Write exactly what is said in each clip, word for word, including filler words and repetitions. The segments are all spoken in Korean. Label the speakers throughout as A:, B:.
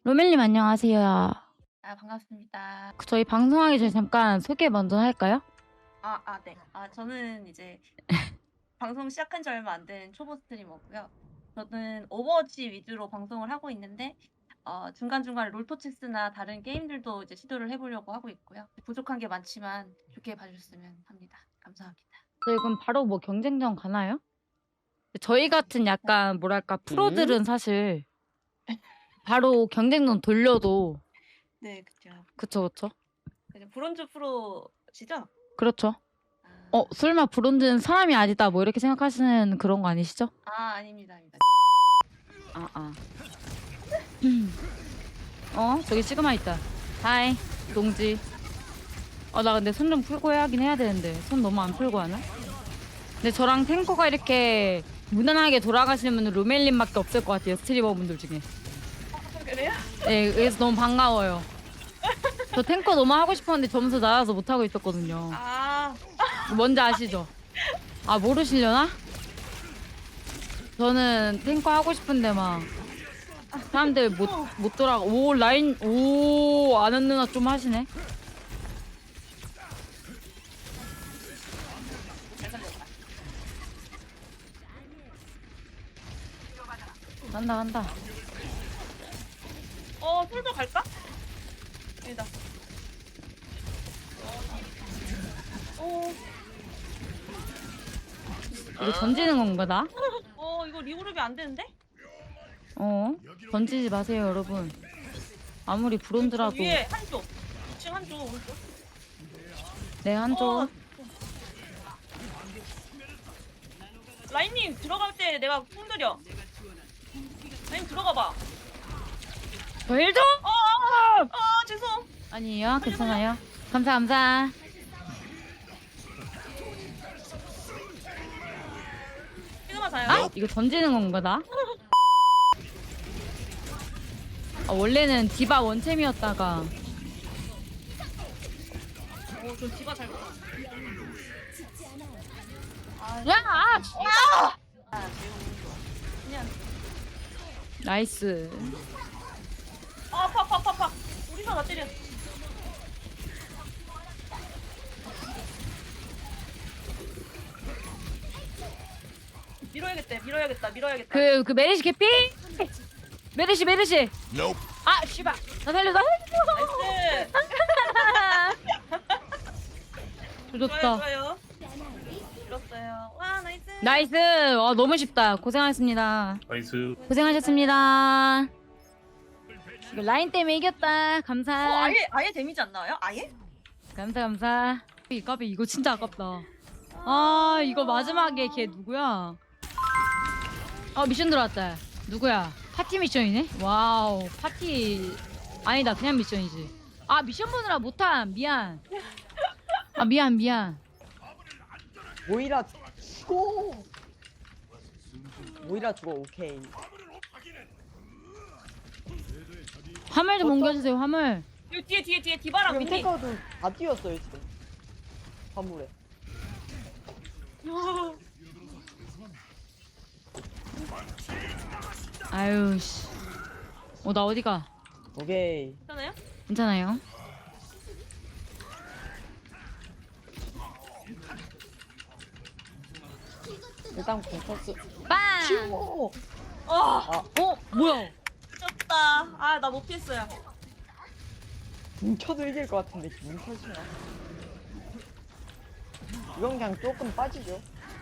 A: 로멜님 안녕하세요.
B: 아 반갑습니다.
A: 그 저희 방송하기 전에 잠깐 소개 먼저 할까요?
B: 아 아 네. 아 저는 이제 방송 시작한 지 얼마 안 된 초보 스트리머고요. 저는 오버워치 위주로 방송을 하고 있는데 어 중간중간 롤토체스나 다른 게임들도 이제 시도를 해 보려고 하고 있고요. 부족한 게 많지만 좋게 봐 주셨으면 합니다. 감사합니다.
A: 저희 그럼 바로 뭐 경쟁전 가나요? 저희 같은 약간 뭐랄까 프로들은 사실 바로 경쟁전 돌려도
B: 네 그쵸.
A: 그쵸 그쵸?
B: 이제 브론즈 프로시죠?
A: 그렇죠.
B: 아.
A: 어 설마 브론즈는 사람이 아니다 뭐 이렇게 생각하시는 그런 거 아니시죠?
B: 아 아닙니다, 아닙니다.
A: 아 아. 어 저기 시그마 있다. 하이 동지. 어 나 근데 손 좀 풀고 해야긴 해야 되는데 손 너무 안 풀고 하나? 근데 저랑 탱커가 이렇게 무난하게 돌아가시는 분은 루멜님밖에 없을 것 같아요. 스트리머 분들 중에.
B: 그래요?
A: 네, 그래서 너무 반가워요. 저 탱커 너무 하고 싶었는데 점수 낮아서 못 하고 있었거든요.
B: 아.
A: 뭔지 아시죠? 아 모르시려나? 저는 탱커 하고 싶은데 막 사람들 못 못 돌아가. 오 라인 오 아는 누나 좀 하시네.
B: 잘 살렸다.
A: 간다 간다.
B: 어 솔도 갈까? 여기다. 오.
A: 이거 던지는 건가 나?
B: 어 이거 리그룹이 안 되는데?
A: 어 던지지 마세요 여러분. 아무리 브론즈라도
B: 위에 한쪽, 이 층 한쪽 오른쪽.
A: 네 한쪽.
B: 어. 라인님 들어갈 때 내가 fun드려. 라인 들어가 봐.
A: 저 일 좀?
B: 어, 아, 아 죄송.
A: 아니에요 괜찮아요. 감사 감사.
B: 시그마 자요.
A: 아 이거 던지는 건가 나? 아, 원래는 디바 원챔이었다가
B: 오, 저 디바 잘.
A: 야! 아, 진짜!
B: 아, 매우 좋아. 그냥.
A: 나이스.
B: 아, 아파, 아파, 아파, 아파. 우리가 나 때려. 밀어야겠다, 밀어야겠다, 밀어야겠다.
A: 그, 그 메르시 개피? 메르시 메르시. 아 씨발. 나 살려 나 살려.
B: 나이스.
A: 조졌다.
B: 좋아요, 좋아요. 밀었어요. 와, 나이스.
A: 나이스. 와 너무 쉽다. 고생하셨습니다.
C: 나이스.
A: 고생하셨습니다. 이거 라인 때문에 이겼다. 감사.
B: 어, 아예, 아예 데미지 안 나와요? 아예?
A: 감사 감사. 이 까비 이거 진짜 아깝다. 아 이거 마지막에 걔 누구야? 아 미션 들어왔다. 누구야? 파티 미션이네? 와우 파티 아니다 그냥 미션이지. 아 미션 보느라 못함 미안. 아 미안 미안.
D: 모이라 죽어. 모이라 죽어. 오케이.
A: 화물 좀
D: 어떤-
A: 옮겨주세요 화물.
B: 여기 뒤에, 뒤에, 뒤에 디바랑
D: 지금
B: 미니.
D: 탱커도 다 뛰었어요 지금. 화물에.
A: 아유 씨. 어 나 어디가?
D: 오케이.
B: 괜찮아요?
A: 괜찮아요.
D: 일단 공터스.
A: 빵.
D: 치워.
B: 어,
A: 어 뭐야?
B: 미쳤다. 아, 나 못 피했어요.
D: 뭉쳐도 이길 것 같은데 뭉쳐지나? 이건 그냥 조금 빠지죠.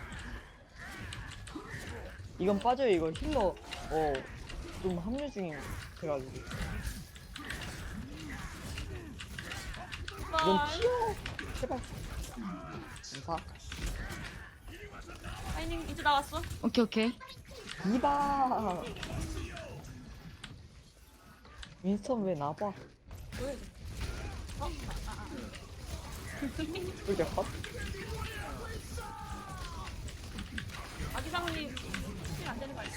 D: 이건 빠져요. 이거 힐러 어좀 합류 중인 돼가지고. 이건
B: 아,
D: 튀어. 제발. 감사.
B: 아이님 이제 나왔어.
A: 오케이 오케이.
D: 이봐. 윈스턴 왜 나봐?
B: 왜?
D: 그게 컷?
B: 아기상님 힐안 되는 거 알지?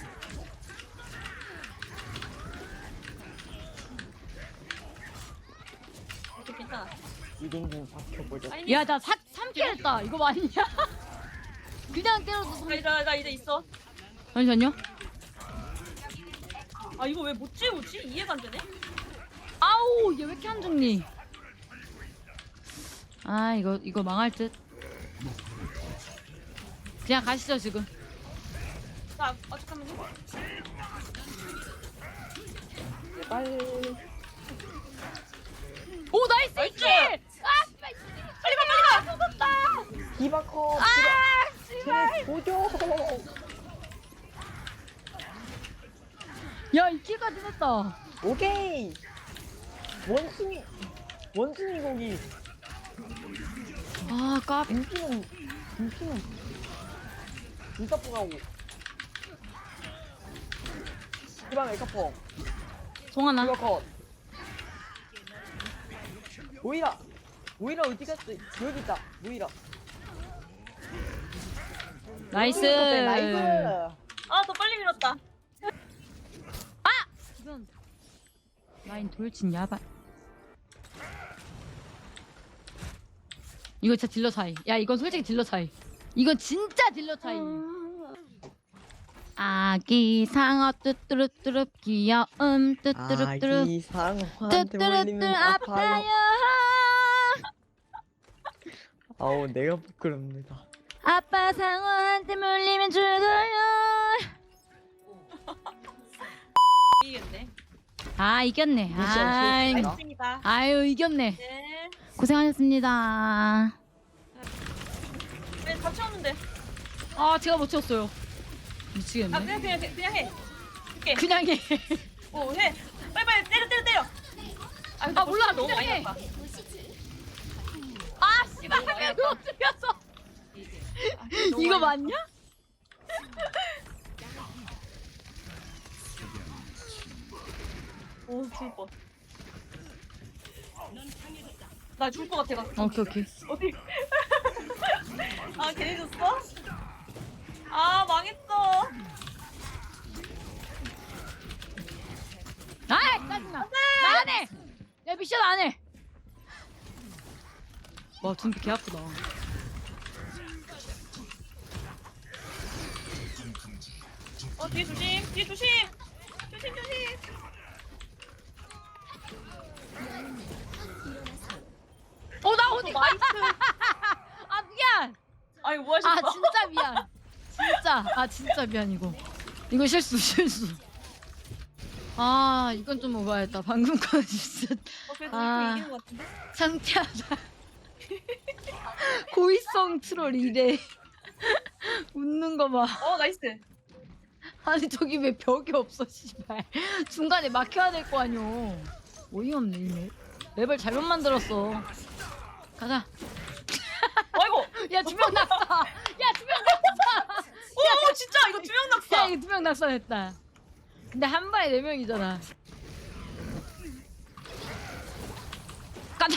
B: 오케이, 괜찮아.
D: 이동진 박혀보자.
B: 아이님,
A: 야나 삼 킬 했다. 이거 맞냐? 그냥 때려도
B: 나, 나, 나 이제 있어.
A: 잠시만요.
B: 아 이거 왜 못 지우지? 이해가 안 되네.
A: 아우 얘 왜 이렇게 안 죽니? 아 이거 이거 망할 듯. 그냥 가시죠 지금.
B: 자, 아 잠깐만요.
D: 빨리.
A: 오 나이스
B: 나이스!
A: 이킬! 아
B: 빨리 가 빨리 가. 죽었다.
D: 디바커.
A: 아
D: 디바. 쟤네 보죠.
A: 야 이킬까지 했다.
D: 오케이. 원숭이. 원숭이 고기.
A: 아 깝.
D: 인피는 인피는 진짜 뽀가고. 디바 메이크업.
A: 송하나.
D: 디바 컷. 모이라. 모이라 어디 갔어? 여기 있다. 모이라.
A: 나이스.
D: 나이스.
B: 아 더 빨리 밀었다.
A: 이건 라인 돌진 야발. 이거 진짜 딜러 차이. 야 이건 솔직히 딜러 차이. 이건 진짜 딜러 차이. 아기 상어 뚜뚜루뚜루 귀여움 뚜뚜루뚜루
D: 아기 상어한테
A: 뚜뚜루뚜
D: 물리면 아파요.
A: 아파요.
D: 아우 내가 부끄럽니다.
A: 아빠 상어한테 물리면 죽어요.
B: 이겼네.
A: 아 이겼네.
D: 미션
A: 아이,
D: 실패다.
B: 알겠습니다.
A: 아유 이겼네.
B: 네.
A: 고생하셨습니다.
B: 네, 같이 오는데.
A: 아 제가 못 쳤어요.
B: 아
A: 미치겠네.
B: 그냥 그냥 그냥 해. 오케이.
A: 그냥 해.
B: 오 해. 빨리 빨리 때려 때려 때려. 아, 근데
A: 아, 몰라,
B: 너무
A: 그냥
B: 많이
A: 해.
B: 났다.
A: 아 씨발 하면 그거 죽였어.
B: 아, 너무
A: 이거
B: 많이
A: 맞냐?
B: 오, 죽을 뻔. 나 죽을 것 같아가지고.
A: 오케이 오케이.
B: 어디? 아, 괜히 줬어? 아, 망했어.
A: 아이 짜증나. 나 안 해. 야 미션 안 해. 와 준비 개 아프다.
B: 어, 뒤에 조심. 뒤에 조심. 조심, 조심.
A: 어나 어디 가?
B: 나이스.
A: 아 미안.
B: 아니, 뭐 하셨어?
A: 아 진짜 미안. 진짜 아 진짜 미안 이거. 이거 실수 실수. 아 이건 좀 오바했다. 방금 거 진짜
B: 어, 그래도
A: 아.
B: 이렇게 이기는 것 같은데?
A: 상쾌하다. 고의성 트롤 이래. 웃는 거 봐.
B: 어, 나이스.
A: 아니 저기 왜 벽이 없어 씨발. 중간에 막혀야 될 거 아니오. 어이없네 이 맵. 맵을 잘못 만들었어. 가자.
B: 아이고.
A: 야 두 명 낙사. 야 두 명 낙사.
B: 오, 오, 진짜 이거 두 명
A: 야
B: 낙사.
A: 이거 두 명 낙사했다. 근데 한 발에 네 명이잖아. 가자.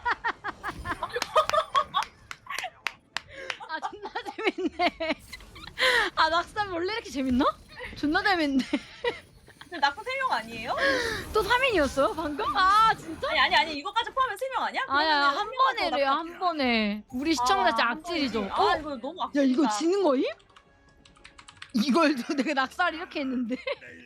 A: 아 존나 재밌네. 아 낙사 원래 이렇게 재밌나? 존나 재밌네.
B: 근데 낙사 세 명 아니에요?
A: 또 삼 인이었어요 방금? 아 진짜?
B: 아니, 아니, 아니. 이거까지 포함하면 세 명 아니야?
A: 아야
B: 그러면은
A: 한
B: 명
A: 번에
B: 더
A: 래요
B: 낙사
A: 한 번에. 우리 시청자 진짜
B: 아, 한
A: 악질이죠.
B: 번이지.
A: 어?
B: 아, 이거 너무 악질이다.
A: 야 이거 지는 거임? 이걸도 내가 낙사를 이렇게 했는데.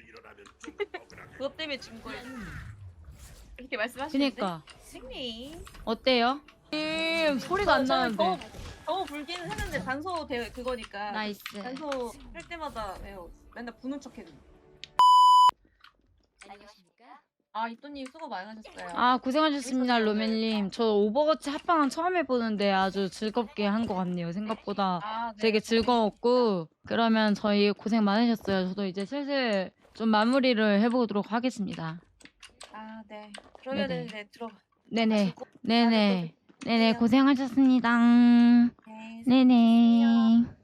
B: 그것 때문에 진 거예요. 이렇게 말씀하시는데.
A: 그니까
B: 승리.
A: 어때요? 음, 소리가 안 나는데.
B: 더, 더 불기는 했는데 단소 대 그거니까.
A: 나이스.
B: 단소 할 때마다 왜요? 맨날 부는 척했는데. 아, 이또님 수고 많으셨어요.
A: 아 고생하셨습니다
B: 재밌었어요.
A: 로멜님. 저 오버워치 합방은 처음 해보는데 아주 즐겁게 한 것 같네요. 생각보다
B: 아, 네.
A: 되게 즐거웠고. 그러면 저희 고생 많으셨어요. 저도 이제 슬슬 좀 마무리를 해보도록 하겠습니다.
B: 아, 네. 그러면은
A: 네네.
B: 네, 들어.
A: 네네
B: 가시고.
A: 네네 네네
B: 해요.
A: 고생하셨습니다.
B: 네.
A: 네네.